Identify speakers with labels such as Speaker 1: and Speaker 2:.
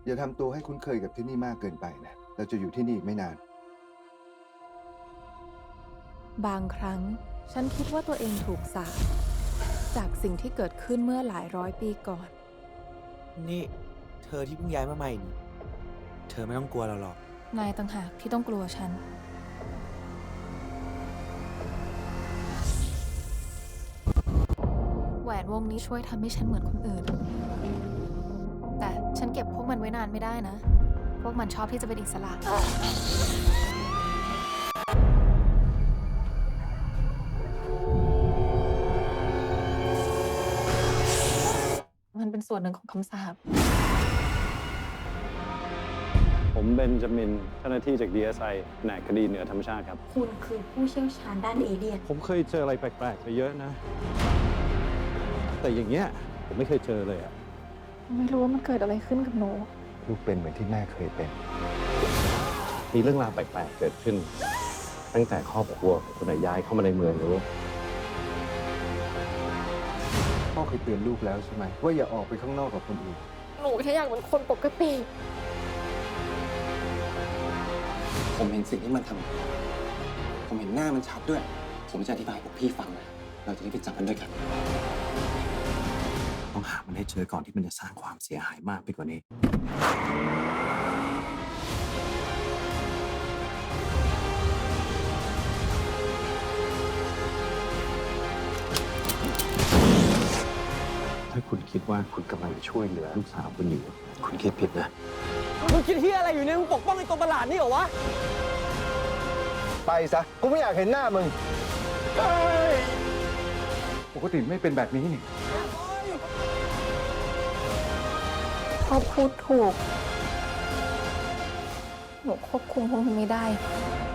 Speaker 1: อย่าทำตัวให้คุ้นเคยกับที่นี่มากเกินไปนะ เราจะอยู่ที่นี่อีกไม่นาน
Speaker 2: บางครั้งฉันคิดว่าตัวเองถูกสาปจากสิ่งที่เกิดขึ้นเมื่อหลายร้อยปีก่อน
Speaker 3: นี่เธอที่เพิ่งย้ายมาใหม่นี่เธอไม่ต้องกลัวเราหรอก
Speaker 2: นายต่างหากที่ต้องกลัวฉัน แหวนวงนี้ช่วยทำให้ฉันเหมือนคนอื่น แต่ฉันเก็บพวกมันไว้นานไม่ได้นะ พวกมันชอบที่จะเป็นอิสระ มันเป็นส่วนหนึ่งของคำสาป
Speaker 4: ผมเบนจามินเจ้าหน้าที่จาก DSI แผนกคดีเหนือธรรมชาติครับ
Speaker 5: คุณคือผู้เชี่ยวชาญด้านเอเลี่ยน
Speaker 4: ผมเคยเจออะไรแปลกๆไปเยอะนะ แต่อย่างเงี้ยผมไม่เคยเจอเลยอะ
Speaker 2: ไม่รู้ว่ามันเกิดอะไรขึ้นกับหนู
Speaker 1: ลูกเป็นเหมือนที่แม่เคยเป็น
Speaker 4: มีเรื่องราวแปลกๆเกิดขึ้น ตั้งแต่ครอบครัวของคุณย้ายเข้ามาในเมืองรู้
Speaker 1: พ่อเคยเตือนลูกแล้วใช่ไหมว่าอย่าออกไปข้างนอกกับคนอื่น
Speaker 2: หนูแค่อยากเป็นคนปกติ
Speaker 6: ผมเห็นสิ่งที่มันทำ ผมเห็นหน้ามันชัดด้วย ผมจะอธิบายให้พวกพี่ฟังนะ เราจะได้ไปจับมันด้วยกัน ต้องหามันให้เจอก่อนที่มันจะสร้างความเสียหายมากไปกว่านี้ ถ้าคุณคิดว่าคุณกำลังช่วยเหลือลูกสาวคุณอยู่ คุณคิดผิดนะ
Speaker 3: มึงคิดที่อะไรอยู่เนี่ย มึงปกป้องไอ้ตัวประหลาดนี่เหรอวะ
Speaker 1: ไปซะ กูไม่อยากเห็นหน้ามึง ปกติไม่เป็นแบบนี้นี่
Speaker 2: พ่อพูดถูก หนูควบคุมพวกมันไม่ได้